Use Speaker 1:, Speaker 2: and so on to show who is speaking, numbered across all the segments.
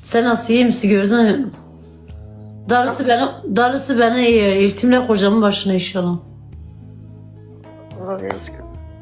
Speaker 1: Sen nasıl iyi misin gördün mü? Darısı bana iyi. İltimle kocamın başına inşallah.
Speaker 2: Aa, Yazgül.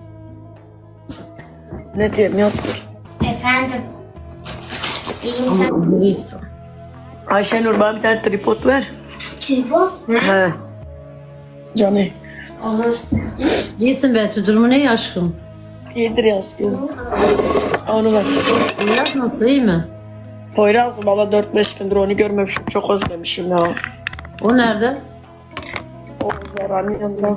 Speaker 2: Ne diyeyim Yazgül?
Speaker 3: Efendim. İyi misin?
Speaker 1: Ama iyisin.
Speaker 2: Ayşenur bana bir tane tripod ver.
Speaker 3: Tripod?
Speaker 2: He. Canı.
Speaker 3: Olur.
Speaker 1: İyisin Betül. Durumu ne aşkım?
Speaker 2: İyidir Yazgül. Onu ver.
Speaker 1: Evlat nasıl iyi mi?
Speaker 2: Poyraz valla 4-5 gündür onu görmemişim. Çok özlemişim ya.
Speaker 1: O nerede?
Speaker 2: O Zara'nın yanında.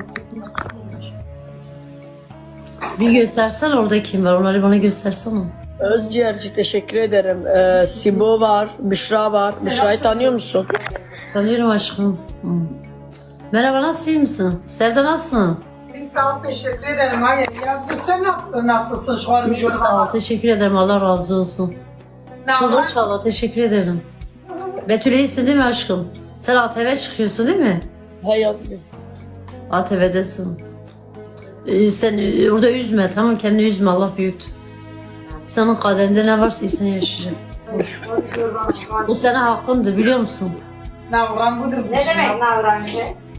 Speaker 1: Bir göstersen orada kim var? Onları bana göstersene.
Speaker 2: Özciğerci teşekkür ederim. Sibo var, Büşra var. Büşra'yı tanıyor musun?
Speaker 1: Tanıyorum aşkım. Hı. Merhaba nasıl iyi misin? Sevda nasılsın?
Speaker 4: Sağ ol, teşekkür ederim. Hayır, Yazgül sen nasılsın şu an?
Speaker 1: İyiyim sağ ol. Teşekkür ederim. Allah razı olsun.
Speaker 4: Ne
Speaker 1: Çok
Speaker 4: var?
Speaker 1: inşallah. Teşekkür ederim. Betül iyisin değil mi aşkım? Sen ATV çıkıyorsun değil mi?
Speaker 2: He Yazgül.
Speaker 1: ATV'desin. Sen orada üzme tamam kendini üzme Allah büyüktür. Senin kaderinde ne varsa iyisini yaşayacak. Bu sana hakkındır biliyor musun?
Speaker 4: Navran budur.
Speaker 3: Ne demek navrancı?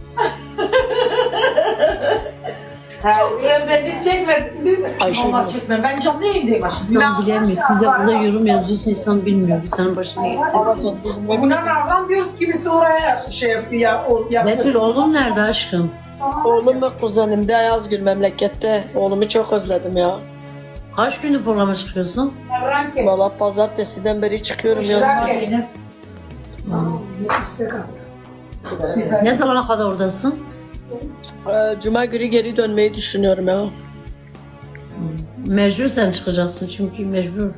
Speaker 4: Sen beni çekmedin değil mi?
Speaker 2: Ayşenur.
Speaker 4: Allah çekme. Ben canlı yayındayım aşkım.
Speaker 1: İnsan bilemiyor. Siz de burada yorum yazıyorsun insan bilmiyor. Bu senin başına gelecek.
Speaker 4: Buna navran diyoruz, kimisi oraya şey yapıyor. yapıyor.
Speaker 1: Betül oğlum nerede aşkım?
Speaker 2: Oğlum ve kuzenim de Yazgül memlekette. Oğlumu çok özledim ya.
Speaker 1: Kaç gündür programa çıkıyorsun?
Speaker 4: Navran ki.
Speaker 2: Valla pazartesiden beri çıkıyorum Yazgül.
Speaker 4: İstek attı.
Speaker 1: Ne zamana kadar oradasın?
Speaker 2: Cuma günü geri dönmeyi düşünüyorum ya.
Speaker 1: Mecbur sen çıkacaksın çünkü mecbur.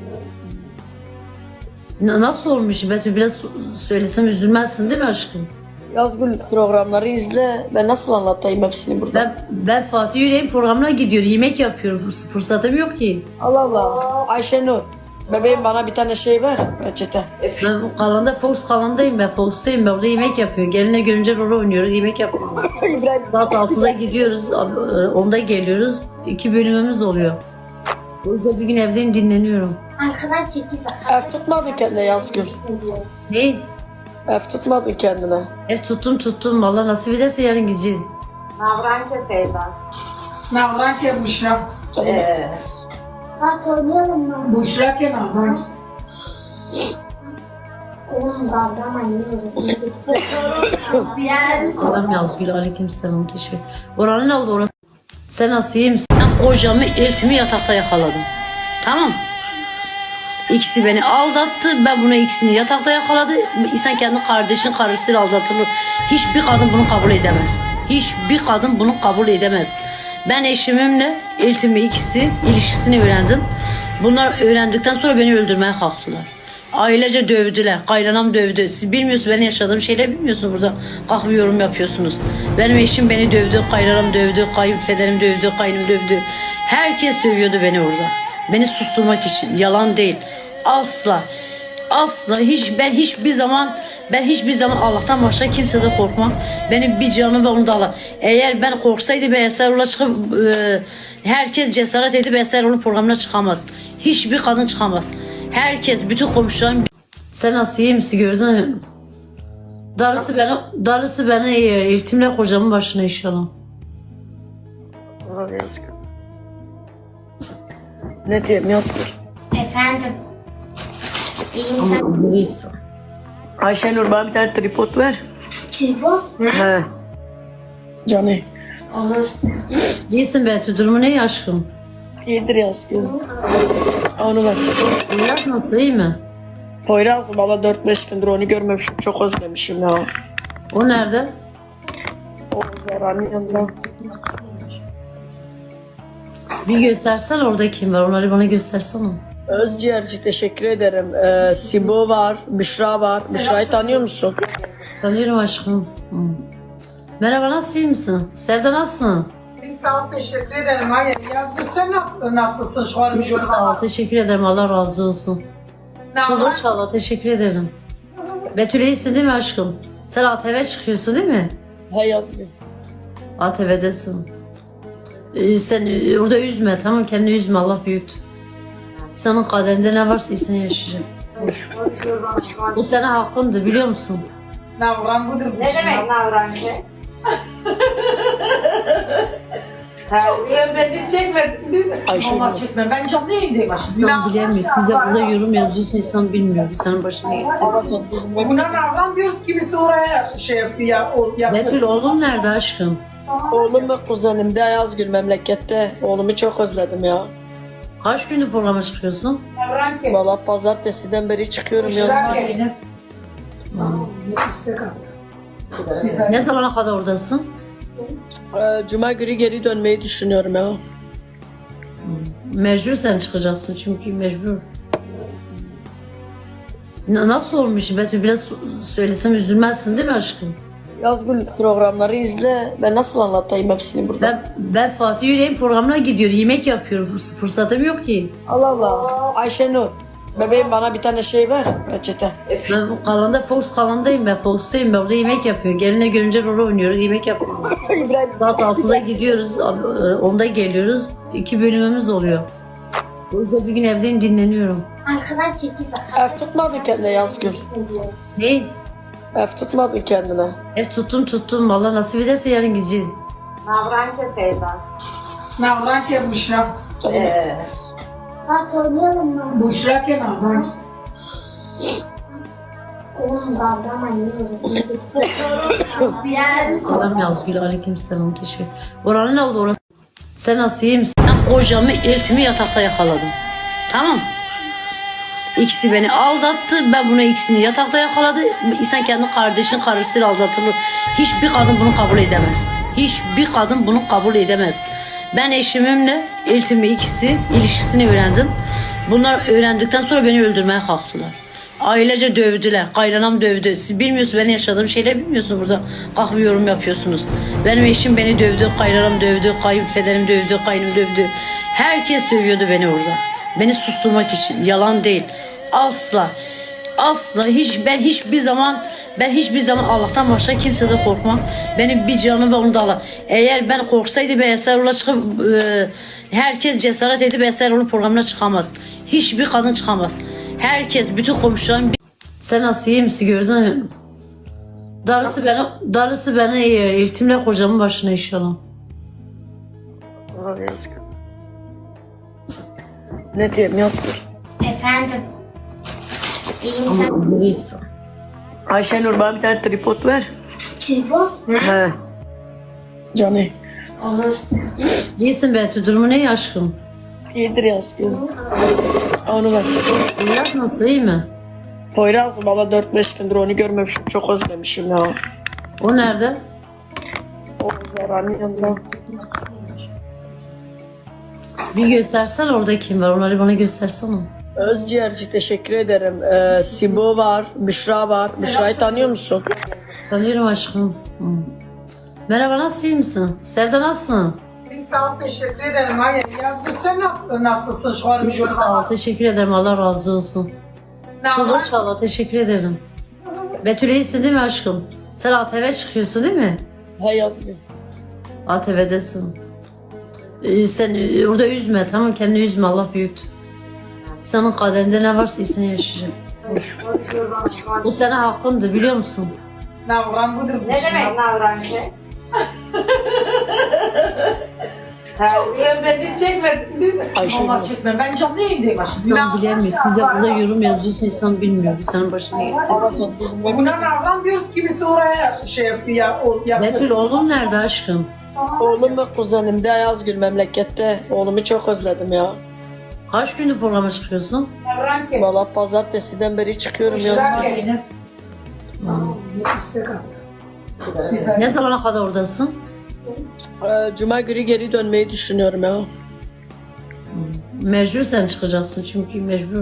Speaker 1: Nasıl olmuş Betül? Biraz söylesem üzülmezsin değil mi aşkım?
Speaker 2: Yazgül programları izle. Ben nasıl anlatayım hepsini burada?
Speaker 1: Ben Fatih Yüreğin programına gidiyorum. Yemek yapıyorum. Fırsatım yok ki.
Speaker 2: Allah Allah. Ayşenur. Bebeğim bana bir tane şey ver. Peçete.
Speaker 1: Ben kalanda Fox kalandayım ben. Fox'tayım ben. Orada yemek yapıyorum. Geline görünce rol oynuyoruz. Yemek yapıyoruz.
Speaker 2: İbrahim.
Speaker 1: Saat 6'da gidiyoruz. 10'da geliyoruz. 2 bölümümüz oluyor. O yüzden bir gün evdeyim dinleniyorum.
Speaker 3: Arkadan çekil bak.
Speaker 2: Ev tutmadın kendine Yazgül.
Speaker 1: Ne?
Speaker 2: Ev tutmadın kendine.
Speaker 1: Ev tuttum. Vallahi nasip ederse yarın gideceğiz.
Speaker 3: Navrancı Feyza.
Speaker 4: Navran ki Büşra.
Speaker 3: Bak oynayalım mı?
Speaker 4: Büşra ki navran.
Speaker 3: Oğlum davranmayın.
Speaker 1: Allah'ım Yazgül aleykümselam teşekkür. Oranın ne oldu orası? Sen nasıl iyi misin? Ben kocamı eltimi yatakta yakaladım. Tamam. İkisi beni aldattı. Ben bunu ikisini yatakta yakaladı. İnsan kendi kardeşin karısıyla aldatılır. Hiçbir kadın bunu kabul edemez. Hiçbir kadın bunu kabul edemez. Ben eşimimle eltimi ikisi ilişkisini öğrendim. Bunlar öğrendikten sonra beni öldürmeye kalktılar. Ailece dövdüler. Kaynanam dövdü. Siz bilmiyorsunuz benim yaşadığım şeyler bilmiyorsunuz burada. Kalkıp yorum yapıyorsunuz. Benim eşim beni dövdü. Kaynanam dövdü. Kayınpederim dövdü. Kaynım dövdü. Herkes dövüyordu beni orada. Beni susturmak için. Yalan değil. Asla. Asla ben hiçbir zaman Allah'tan başka kimseden korkmam. Benim bir canım ve onu da Allah. Eğer ben korksaydı ben Eserol'a çıkıp herkes cesaret edip Eserol'un programına çıkamaz. Hiçbir kadın çıkamaz. Herkes, bütün komşularım. Sen nasıl iyi misin gördün mü? Darısı bana iyi. İltimle kocamın başına inşallah.
Speaker 2: Aa, Yazgül. Ne diyeyim Yazgül?
Speaker 3: Efendim. İyi misin?
Speaker 1: Ama iyisin.
Speaker 2: Ayşenur bana bir tane tripod ver.
Speaker 3: Tripod?
Speaker 2: He. Canı.
Speaker 3: Olur.
Speaker 1: İyisin Betül. Durumu ne aşkım?
Speaker 2: İyidir Yazgül. Onu ver.
Speaker 1: Evlat nasıl iyi mi?
Speaker 2: Poyraz valla 4-5 gündür onu görmemişim. Çok özlemişim ya.
Speaker 1: O nerede?
Speaker 2: O Zara'nın yanında.
Speaker 1: Bir göstersen orada kim var? Onları bana göstersene.
Speaker 2: Özciğerci teşekkür ederim. Sibo var, Büşra var. Büşra'yı tanıyor musun?
Speaker 1: Tanıyorum aşkım. Hı. Merhaba nasıl iyi misin? Sevda nasılsın?
Speaker 4: Sağ ol, teşekkür ederim. Hayır, Yazgül sen nasılsın şu an?
Speaker 1: İyiyim sağ ol. Teşekkür ederim. Allah razı olsun. Çok
Speaker 4: Navran.
Speaker 1: inşallah. Teşekkür ederim. Betül iyisin değil mi aşkım? Sen ATV çıkıyorsun değil mi?
Speaker 2: He Yazgül.
Speaker 1: ATV'desin. Sen orada üzme tamam kendini üzme Allah büyüktür. Senin kaderinde ne varsa iyisini yaşayacak. Bu senin hakkındı biliyor musun?
Speaker 4: Navran budur.
Speaker 5: Ne demek navrancı?
Speaker 4: Sen beni çekmedin değil mi?
Speaker 2: Ayşenur.
Speaker 4: Allah çekme. Ben canlı yayındayım başım.
Speaker 1: İnsan bilemiyor. Siz de burada yorum yazıyorsun, insan bilmiyor. Senin başına gelsin.
Speaker 4: Buna navran diyoruz, kimisi oraya şey yapıyor ya.
Speaker 1: Betül oğlum nerede aşkım?
Speaker 2: Oğlum ve kuzenim de Yazgül memlekette. Oğlumu çok özledim ya.
Speaker 1: Kaç gündür programa çıkıyorsun?
Speaker 4: Navran ki.
Speaker 2: Valla pazartesiden beri çıkıyorum Yazgül.
Speaker 4: İstek attı.
Speaker 1: Ne zamana kadar oradasın?
Speaker 2: Cuma günü geri dönmeyi düşünüyorum ya.
Speaker 1: Mecbur sen çıkacaksın çünkü mecbur. Nasıl olmuş Betül? Biraz söylesem üzülmezsin değil mi aşkım?
Speaker 2: Yazgül programları izle. Ben nasıl anlatayım hepsini burada?
Speaker 1: Ben Fatih Yüreğin programına gidiyorum. Yemek yapıyorum. Fırsatım yok ki.
Speaker 2: Allah Allah. Ayşenur. Bebeğim bana bir tane şey ver. Peçete.
Speaker 1: Ben kalanda Fox kalandayım ben. Fox'tayım ben. Orada yemek yapıyorum. Geline görünce rol oynuyoruz. Yemek yapıyoruz.
Speaker 2: İbrahim.
Speaker 1: Saat 6'da gidiyoruz. 10'da geliyoruz. 2 bölümümüz oluyor. O yüzden bir gün evdeyim dinleniyorum.
Speaker 3: Arkadan çekil bak.
Speaker 2: Ev tutmadın kendine Yazgül.
Speaker 1: Ne?
Speaker 2: Ev tutmadın kendine.
Speaker 1: Ev tuttum. Vallahi nasip ederse yarın gideceğiz.
Speaker 5: Navrancı Feyza.
Speaker 4: Navran ki Büşra.
Speaker 3: Bak oynayalım mı?
Speaker 4: Büşra ki navran ki.
Speaker 3: Oğlum babam anne.
Speaker 1: Adam Yazgül aleykümselam teşekkür. Oranın ne oldu orası? Sen nasıl iyi misin? Ben kocamı eltimi yatakta yakaladım. Tamam. İkisi beni aldattı. Ben bunu ikisini yatakta yakaladı. İnsan kendi kardeşin karısıyla aldatılır. Hiçbir kadın bunu kabul edemez. Hiçbir kadın bunu kabul edemez. Ben eşimimle eltimi ikisi ilişkisini öğrendim. Bunlar öğrendikten sonra beni öldürmeye kalktılar. Ailece dövdüler. Kaynanam dövdü. Siz bilmiyorsunuz, benim yaşadığım şeyler bilmiyorsunuz burada. Kalkıp yorum yapıyorsunuz. Benim eşim beni dövdü. Kaynanam dövdü. Kayınpederim dövdü. Kaynım dövdü. Herkes dövüyordu beni orada. Beni susturmak için. Yalan değil. Asla. Asla. Ben hiçbir zaman Allah'tan başka kimseden korkmam. Benim bir canım ve onu da Allah. Eğer ben korksaydı ben Eserol'a çıkıp herkes cesaret edip Eserol'un programına çıkamaz. Hiçbir kadın çıkamaz. Herkes, bütün komşularım. Sen nasıl iyi misin gördün mü? Darısı bana iyi. İltimle kocamın başına inşallah.
Speaker 2: Ulan Yazgül. Ne diyeyim Yazgül?
Speaker 3: Efendim. İyi misin?
Speaker 1: Neyse.
Speaker 2: Ayşenur bana bir tane tripod ver.
Speaker 3: Tripod?
Speaker 2: He. Canı.
Speaker 3: Olur.
Speaker 1: İyisin Betül. Durumu ne aşkım?
Speaker 2: İyidir Yazgül. Onu ver.
Speaker 1: Biraz nasıl, iyi mi?
Speaker 2: Poyraz valla 4-5 gündür onu görmemişim. Çok özlemişim ya.
Speaker 1: O nerede?
Speaker 2: O Zara'nın yanında.
Speaker 1: Bir göstersen orada kim var. Onları bana göstersene.
Speaker 2: Özciğerci teşekkür ederim. Sibo var, Büşra var. Büşra'yı tanıyor musun?
Speaker 1: Tanıyorum aşkım. Hı. Merhaba, nasıl, iyi misin? Sevda nasılsın?
Speaker 4: Bir saat teşekkür ederim. Hayır yazdık. Sen nasılsın şu an?
Speaker 1: Çok sağ ol. Teşekkür ederim. Allah razı olsun. Çok
Speaker 4: Navran.
Speaker 1: hoş Allah. Teşekkür ederim. Betül iyisin değil mi aşkım? Sen ATV çıkıyorsun değil mi?
Speaker 2: He Yazgül.
Speaker 1: ATV'desin. Sen orada üzme, tamam, kendini üzme, Allah büyüktür. Senin kaderinde ne varsa iyisini yaşayacak. Bu senin hakkındı biliyor musun?
Speaker 4: Navran budur.
Speaker 5: Ne demek navrancı?
Speaker 4: Sen beni çekmedin değil mi?
Speaker 2: Ayşenur.
Speaker 4: Allah çekme. Ben canlı yayındayım başım.
Speaker 1: İnsan bilemiyor. Siz de burada yorum yazıyorsun, insan bilmiyor. Senin başına gelsin.
Speaker 4: Buna navran diyoruz, kimisi oraya şey yapıyor ya.
Speaker 1: Betül oğlum nerede aşkım?
Speaker 2: Oğlum ve kuzenim de Yazgül memlekette. Oğlumu çok özledim ya.
Speaker 1: Kaç gündür programa çıkıyorsun?
Speaker 4: Navran ki.
Speaker 2: Valla pazartesiden beri çıkıyorum
Speaker 4: Büşra
Speaker 2: Yazgül.
Speaker 4: ki. İstek attı.
Speaker 1: Ne zamana kadar oradasın?
Speaker 2: Cuma günü geri dönmeyi düşünüyorum ya.
Speaker 1: Mecbur sen çıkacaksın çünkü mecbur.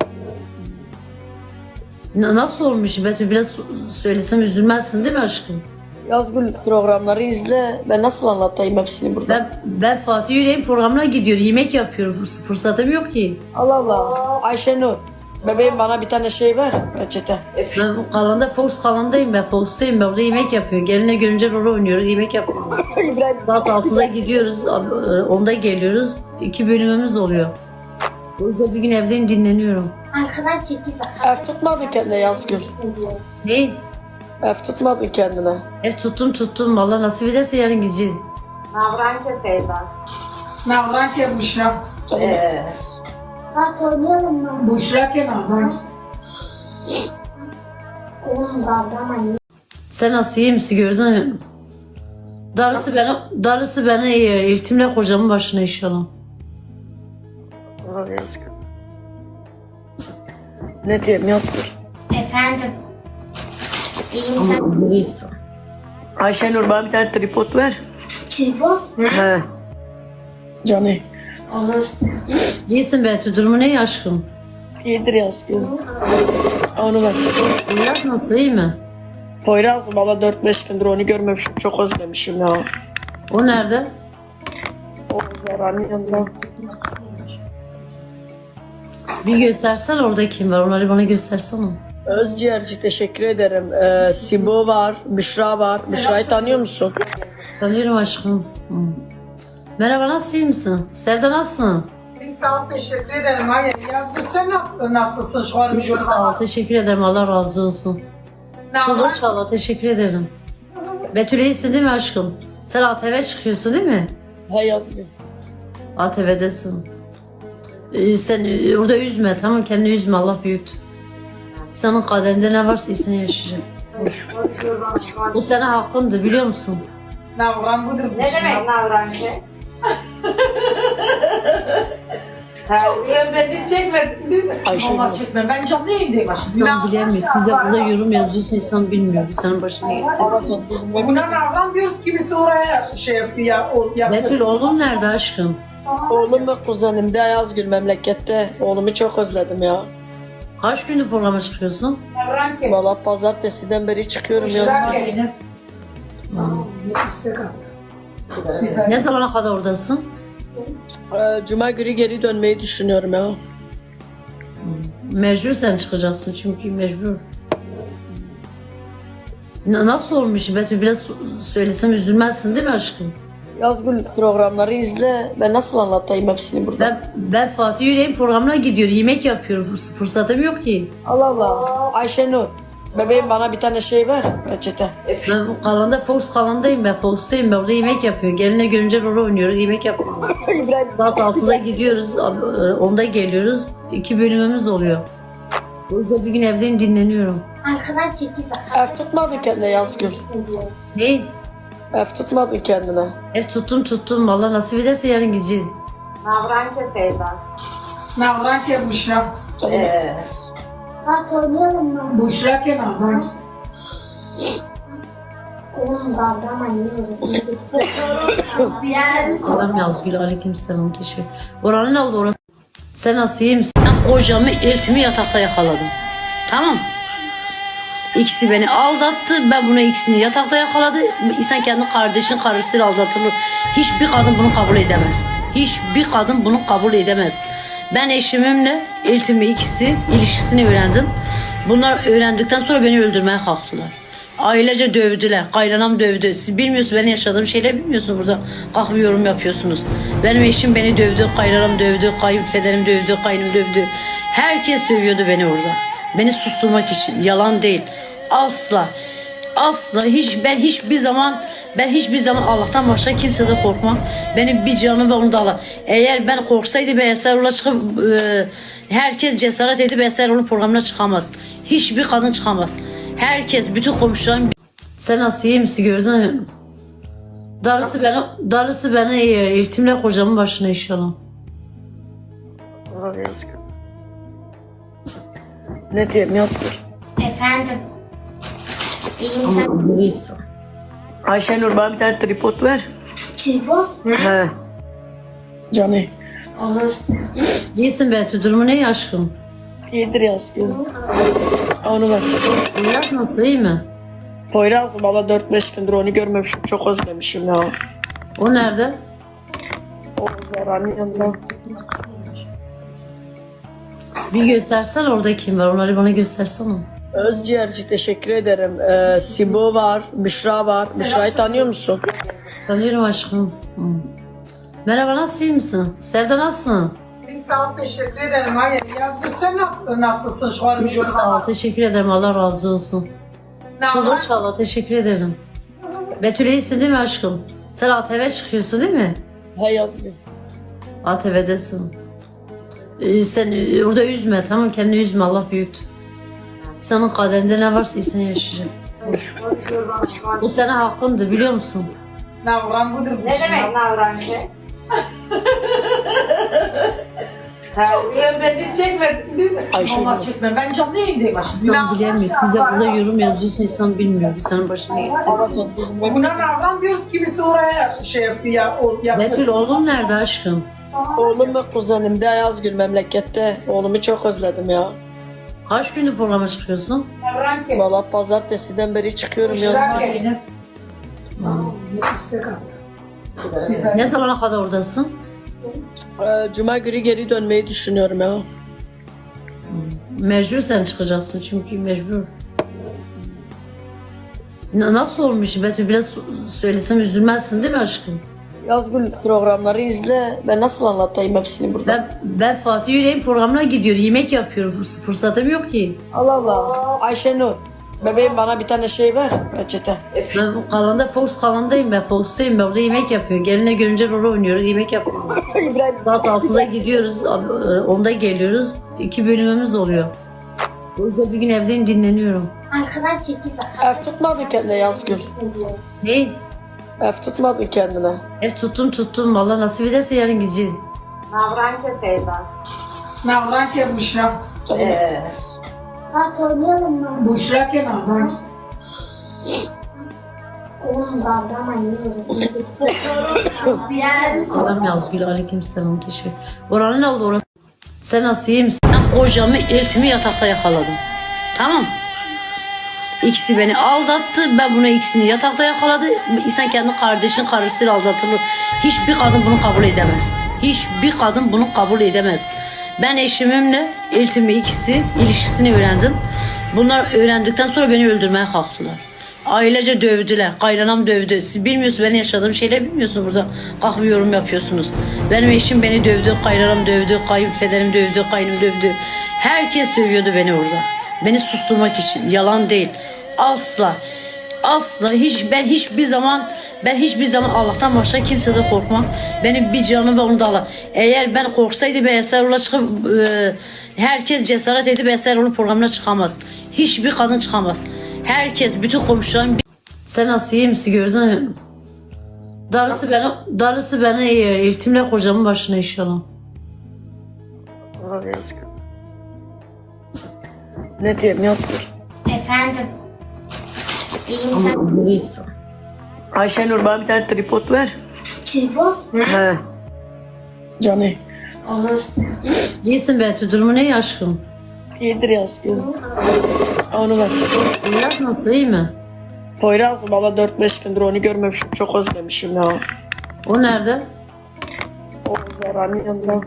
Speaker 1: Nasıl olmuş Betül? Biraz söylesem üzülmezsin değil mi aşkım?
Speaker 2: Yazgül programları izle. Ben nasıl anlatayım hepsini burada?
Speaker 1: Ben Fatih Yüreğin programına gidiyorum. Yemek yapıyorum. Fırsatım yok ki.
Speaker 2: Allah Allah. Ayşenur. Bebeğim bana bir tane şey ver. Peçete.
Speaker 1: Ben kalanda Fox kalandayım ben. Fox'tayım ben. Orada yemek yapıyorum. Geline görünce rol oynuyoruz. Yemek yapıyoruz.
Speaker 2: İbrahim.
Speaker 1: Saat 6'da gidiyoruz. 10'da geliyoruz. 2 bölümümüz oluyor. O yüzden bir gün evdeyim dinleniyorum.
Speaker 3: Arkadan çekil bak.
Speaker 2: Ev tutmadın kendine Yazgül.
Speaker 1: Ne?
Speaker 2: Ev tutmadın kendine.
Speaker 1: Ev tuttum. Vallahi nasip ederse yarın gideceğiz.
Speaker 5: Navranke Feyza.
Speaker 4: Navranke Büşra.
Speaker 3: Kart oynayalım mı?
Speaker 4: Büşra ke Navranke.
Speaker 3: Oğlum babam anne.
Speaker 1: Sen nasıl iyi misin gördün mü? Darısı bana iyi. İltimle kocamın başına inşallah.
Speaker 2: Ulan Yazgül. Ne diyeyim Yazgül?
Speaker 3: Efendim. İyi misin?
Speaker 1: Ama iyisin.
Speaker 2: Ayşenur bana bir tane tripod ver.
Speaker 3: Tripod?
Speaker 2: He. Canı.
Speaker 3: Olur.
Speaker 1: İyisin Betül. Durumu ne aşkım?
Speaker 2: İyidir Yazgül. Onu ver.
Speaker 1: Biraz nasıl iyi mi?
Speaker 2: Poyraz valla 4-5 gündür onu görmemişim. Çok özlemişim ya.
Speaker 1: O nerede?
Speaker 2: O Zara'nın yanında.
Speaker 1: Bir göstersen orada kim var? Onları bana göstersene.
Speaker 2: Özciğerci teşekkür ederim. Sibo var, Büşra var. Büşra'yı tanıyor musun?
Speaker 1: Tanıyorum aşkım. Hı. Merhaba nasıl iyi misin? Sevda nasılsın?
Speaker 4: İyi sağ ol, teşekkür ederim. Hayır, Yazgül sen nasılsın şu an?
Speaker 1: Çok sağ ol. Teşekkür ederim. Allah razı olsun. Çok hoş Allah. Teşekkür ederim. Betül iyisin değil mi aşkım? Sen ATV çıkıyorsun değil mi?
Speaker 2: He Yazgül.
Speaker 1: ATV'desin. Sen orada üzme tamam kendini üzme Allah büyüktür. Senin kaderinde ne varsa iyisini yaşayacak. Bu sana hakkındır biliyor musun?
Speaker 4: Navran budur.
Speaker 5: Ne demek navranke? Terbiye.
Speaker 4: Sen beni çekmedin değil mi?
Speaker 2: Ayşenur.
Speaker 4: Allah çekme. Ben canlı yayındayım aşkım.
Speaker 1: İnsan bilemiyor. Siz de burada yorum yazıyorsun insan bilmiyor. Bu senin başına gelecek.
Speaker 4: Buna Navran diyoruz, kimisi oraya şey yapıyor ya.
Speaker 1: Betül oğlum nerede aşkım?
Speaker 2: Oğlum ve kuzenim de Yazgül memlekette. Oğlumu çok özledim ya.
Speaker 1: Kaç gündür programa çıkıyorsun?
Speaker 4: Navranke.
Speaker 2: Valla pazartesiden beri çıkıyorum Yazgül.
Speaker 4: Büşra İstek attı.
Speaker 1: Ne zamana kadar oradasın?
Speaker 2: Cuma günü geri dönmeyi düşünüyorum ya.
Speaker 1: Mecbur sen çıkacaksın çünkü mecbur. Nasıl olmuş Betül? Biraz söylesem üzülmezsin değil mi aşkım?
Speaker 2: Yazgül programları izle. Ben nasıl anlatayım hepsini burada?
Speaker 1: Ben Fatih Yüreğin programına gidiyorum. Yemek yapıyorum. Fırsatım yok ki.
Speaker 2: Allah Allah. Ayşenur. Bebeğim bana bir tane şey ver. Peçete.
Speaker 1: Ben kalanda Fox kalandayım ben. Fox'tayım ben. Orada yemek yapıyorum. Geline görünce rol oynuyoruz. Yemek yapıyoruz.
Speaker 2: İbrahim.
Speaker 1: Saat 6'da gidiyoruz. 10'da geliyoruz. 2 bölümümüz oluyor. O yüzden bir gün evdeyim dinleniyorum.
Speaker 3: Arkadan çekil bak.
Speaker 2: Ev tutmadın kendine Yazgül.
Speaker 1: Ne?
Speaker 2: Ev tutmadın kendine.
Speaker 1: Ev tuttum. Vallahi nasip ederse yarın gideceğiz.
Speaker 5: Navranke Feyza.
Speaker 4: Navranke Büşra.
Speaker 3: Kart oynayalım mı?
Speaker 4: Büşra ke Navranke.
Speaker 3: Oğlum babam anne.
Speaker 1: Adam Yazgül aleykümselam teşekkür. Oranın ne oldu orası? Sen nasıl iyi misin? Ben kocamı eltimi yatakta yakaladım. Tamam. İkisi beni aldattı. Ben bunu ikisini yatakta yakaladı. İnsan kendi kardeşin karısıyla aldatılır. Hiçbir kadın bunu kabul edemez. Hiçbir kadın bunu kabul edemez. Ben eşimimle eltimi ikisi ilişkisini öğrendim. Bunlar öğrendikten sonra beni öldürmeye kalktılar. Ailece dövdüler. Kaynanam dövdü. Siz bilmiyorsunuz benim yaşadığım şeyleri bilmiyorsunuz burada. Kalkıp yorum yapıyorsunuz. Benim eşim beni dövdü. Kaynanam dövdü. Kayınpederim dövdü. Kaynım dövdü. Herkes dövüyordu beni orada. Beni susturmak için. Yalan değil. Asla. Asla ben hiçbir zaman Allah'tan başka kimseden korkmam. Benim bir canım ve onu da Allah. Eğer ben korksaydı ben Eserol'a çıkıp herkes cesaret edip Eserol'un programına çıkamaz. Hiçbir kadın çıkamaz. Herkes, bütün komşularım. Sen nasıl iyi misin gördün mü? Darısı bana iyi. İltimle kocamın başına inşallah.
Speaker 2: Ulan Yazgül. Ne diyeyim Yazgül?
Speaker 3: Efendim. İyi misin?
Speaker 1: Ama iyisin.
Speaker 2: Ayşenur bana bir tane tripod ver.
Speaker 3: Tripod?
Speaker 2: He. Canı.
Speaker 3: Olur.
Speaker 1: İyisin Betül. Durumu ne aşkım?
Speaker 2: İyidir Yazgül. Onu ver.
Speaker 1: Biraz nasıl iyi mi?
Speaker 2: Poyraz valla 4-5 gündür onu görmemişim. Çok özlemişim ya.
Speaker 1: O nerede?
Speaker 2: O Zara'nın yanında.
Speaker 1: Bir göstersen orada kim var? Onları bana göstersene.
Speaker 2: Özciğerci teşekkür ederim. Sibo var, Büşra var. Büşra'yı tanıyor musun?
Speaker 1: Tanıyorum aşkım. Hı. Merhaba nasıl iyi misin? Sevda nasılsın?
Speaker 4: Sağ ol, teşekkür ederim. Hayır, yazgın sen nasılsın şu an?
Speaker 1: Sağ ol, teşekkür ederim. Allah razı olsun. Çok sağ ol, teşekkür ederim. Betül iyisin değil mi aşkım? Sen ATV çıkıyorsun değil mi?
Speaker 2: He Yazgül.
Speaker 1: ATV'desin. Sen orada üzme, tamam, kendini üzme, Allah büyüktür. Senin kaderinde ne varsa iyisini yaşayacak. Bu sana hakkındır, biliyor musun?
Speaker 4: Navran budur.
Speaker 5: Ne demek navrancı? Terbiye.
Speaker 4: Sen beni çekmedin değil mi?
Speaker 2: Ayşenur.
Speaker 4: Allah çekme. Ben canlı yayındayım başım.
Speaker 1: İnsan bilemiyor. Siz de burada yorum yazıyorsun, insan bilmiyor. Bu senin başına gelecek.
Speaker 4: Buna navran diyoruz, kimisi oraya şey yapıyor.
Speaker 1: Betül oğlum nerede aşkım?
Speaker 2: Oğlum ve kuzenim de Yazgül memlekette. Oğlumu çok özledim ya.
Speaker 1: Kaç gündür programa çıkıyorsun?
Speaker 4: Navran ki.
Speaker 2: Valla pazartesiden beri çıkıyorum Yazgül.
Speaker 1: Ne zamana kadar oradasın?
Speaker 2: Cuma günü geri dönmeyi düşünüyorum ya.
Speaker 1: Mecbur sen çıkacaksın çünkü mecbur. Nasıl olmuş Betül? Biraz söylesem üzülmezsin değil mi aşkım?
Speaker 2: Yazgül programları izle. Ben nasıl anlatayım hepsini burada?
Speaker 1: Ben Fatih Yüreğin programına gidiyorum. Yemek yapıyorum. Fırsatım yok ki.
Speaker 2: Allah Allah. Ayşenur. Bebeğim bana bir tane şey ver. Reçete.
Speaker 1: Ben kalanda Fox kalandayım ben. Fox'tayım ben. Orada yemek yapıyorum. Geline görünce rol oynuyoruz. Yemek yapıyoruz.
Speaker 2: İbrahim.
Speaker 1: Saat 6'da gidiyoruz. 10'da geliyoruz. 2 bölümümüz oluyor. O yüzden bir gün evdeyim, dinleniyorum.
Speaker 3: Arkadan çekil bak.
Speaker 2: Ev tutmadın kendine Yazgül.
Speaker 1: Ne?
Speaker 2: Ev tutmadın kendine.
Speaker 1: Hep tuttum. Vallahi nasip ederse yarın gideceğiz.
Speaker 5: Navrancı Feyza.
Speaker 4: Navran ki Büşra.
Speaker 3: Bak oynayalım mı?
Speaker 4: Büşra ki navran.
Speaker 3: Oğlum babam anne.
Speaker 1: Adam Yazgül, aleykümselam, teşekkür. Oranın ne oldu orası? Sen nasıl, iyi misin? Ben kocamı, eltimi yatakta yakaladım. Tamam. İkisi beni aldattı. Ben buna ikisini yatakta yakaladı. İnsan kendi kardeşin karısıyla aldatılır. Hiçbir kadın bunu kabul edemez. Hiçbir kadın bunu kabul edemez. Ben eşimimle eltimi ikisi ilişkisini öğrendim. Bunlar öğrendikten sonra beni öldürmeye kalktılar. Ailece dövdüler. Kaynanam dövdü. Siz bilmiyorsunuz, benim yaşadığım şeyleri bilmiyorsunuz burada. Kalkıp yorum yapıyorsunuz. Benim eşim beni dövdü. Kaynanam dövdü. Kayınpederim dövdü. Kaynım dövdü. Herkes dövüyordu beni orada. Beni susturmak için. Yalan değil. Asla. Asla. Ben hiçbir zaman Allah'tan başka kimseden korkmam. Benim bir canım ve onu da Allah. Eğer ben korksaydı ben Eserol'a çıkıp herkes cesaret edip Eserol'un programına çıkamaz. Hiçbir kadın çıkamaz. Herkes, bütün komşularım. Sen nasıl, iyi misin, gördün mü? Darısı bana eltimle kocamın başına inşallah.
Speaker 2: Allah Yazgül. Ne diyeyim Yazgül?
Speaker 3: Efendim. İyi misin?
Speaker 1: Neyse.
Speaker 2: Ayşenur bana bir tane tripod ver.
Speaker 3: Tripod?
Speaker 2: He. Canı.
Speaker 3: Olur.
Speaker 1: İyisin Betül, durumu ne aşkım?
Speaker 2: İyidir Yazgül. Onu ver.
Speaker 1: Biraz nasıl, iyi mi?
Speaker 2: Poyraz valla 4-5 gündür onu görmemişim. Çok özlemişim ya.
Speaker 1: O nerede?
Speaker 2: O Zara'nın yanında.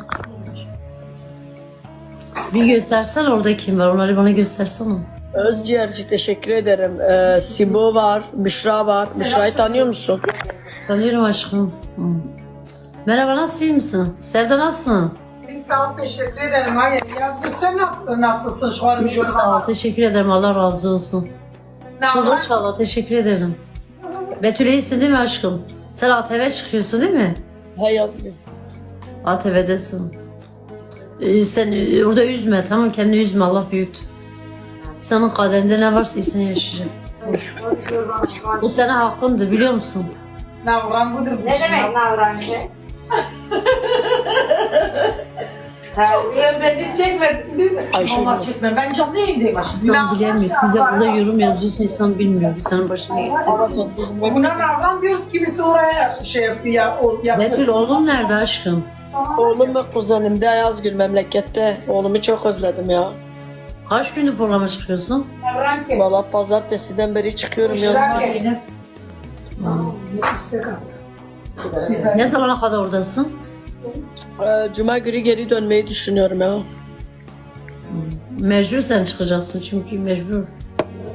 Speaker 1: Bir göstersen orada kim var, onları bana göstersene.
Speaker 2: Özciğerci teşekkür ederim. Sibo var, Büşra var. Büşra'yı tanıyor musun?
Speaker 1: Tanıyorum aşkım. Hı. Merhaba, nasıl, iyi misin? Sevda nasılsın?
Speaker 4: Sağ ol, teşekkür ederim. Hayır, yazgın sen nasılsın şu an?
Speaker 1: Sağ ol, teşekkür ederim, Allah razı olsun.
Speaker 4: Navran.
Speaker 1: Çok sağ ol, teşekkür ederim. Betül iyisin değil mi aşkım? Sen ATV çıkıyorsun değil mi?
Speaker 2: He Yazgül.
Speaker 1: ATV'desin. Sen orada üzme, tamam, kendini üzme, Allah büyüktür. Senin kaderinde ne varsa iyisini yaşayacak. Bu sana hakkındır, biliyor musun?
Speaker 4: Navran budur.
Speaker 5: Ne demek navrancı? Terbiye.
Speaker 4: Sen beni çekmedin değil mi?
Speaker 2: Ayşenur.
Speaker 4: Allah çekme. Ben canlı yayındayım başım.
Speaker 1: İnsan bilemiyor. Siz de burada yorum yazıyorsun, insan bilmiyor. Bu senin başına gelecek.
Speaker 4: Buna navran diyoruz, kimisi oraya şey yapıyor.
Speaker 1: Betül oğlum nerede aşkım?
Speaker 2: Oğlum ve kuzenim de Yazgül memlekette. Oğlumu çok özledim ya.
Speaker 1: Kaç gündür programa çıkıyorsun?
Speaker 4: Navran ki.
Speaker 2: Valla pazartesiden beri çıkıyorum Yazgül.
Speaker 1: Ne zamana kadar oradasın?
Speaker 2: Cuma günü geri dönmeyi düşünüyorum ya.
Speaker 1: Mecbur sen çıkacaksın çünkü mecbur.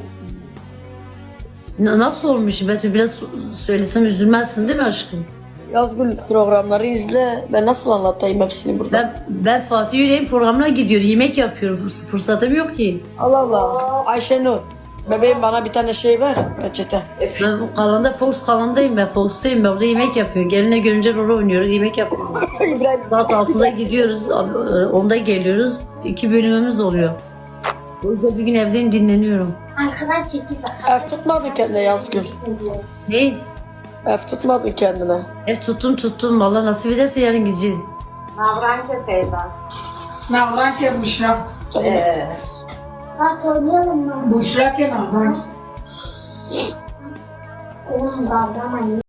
Speaker 1: Nasıl olmuş Betül? Biraz söylesem üzülmezsin değil mi aşkım?
Speaker 2: Yazgül programları izle. Ben nasıl anlatayım hepsini burada?
Speaker 1: Ben Fatih Yüreğin programına gidiyorum. Yemek yapıyorum. Fırsatım yok ki.
Speaker 2: Allah Allah. Ayşenur. Bebeğim bana bir tane şey ver. Peçete.
Speaker 1: Ben bu kanalda Fox kanalındayım ben. Fox'tayım ben. Orada yemek yapıyorum. Geline görünce rol oynuyoruz. Yemek yapıyoruz.
Speaker 2: İbrahim.
Speaker 1: Saat 6'da gidiyoruz. 10'da geliyoruz. 2 bölümümüz oluyor. O yüzden bir gün evdeyim dinleniyorum.
Speaker 3: Arkadan çekil bak.
Speaker 2: Ev tutmadın kendine Yazgül.
Speaker 1: Ne?
Speaker 2: Ev tutmadın kendine.
Speaker 1: Ev tuttum. Vallahi nasip ederse yarın gideceğiz.
Speaker 5: Navranke Feyza.
Speaker 4: Navran ke Büşra.
Speaker 2: Canım.
Speaker 3: Bak oynayalım mı?
Speaker 4: Büşra ke Navran.
Speaker 3: Oğlum babam anne.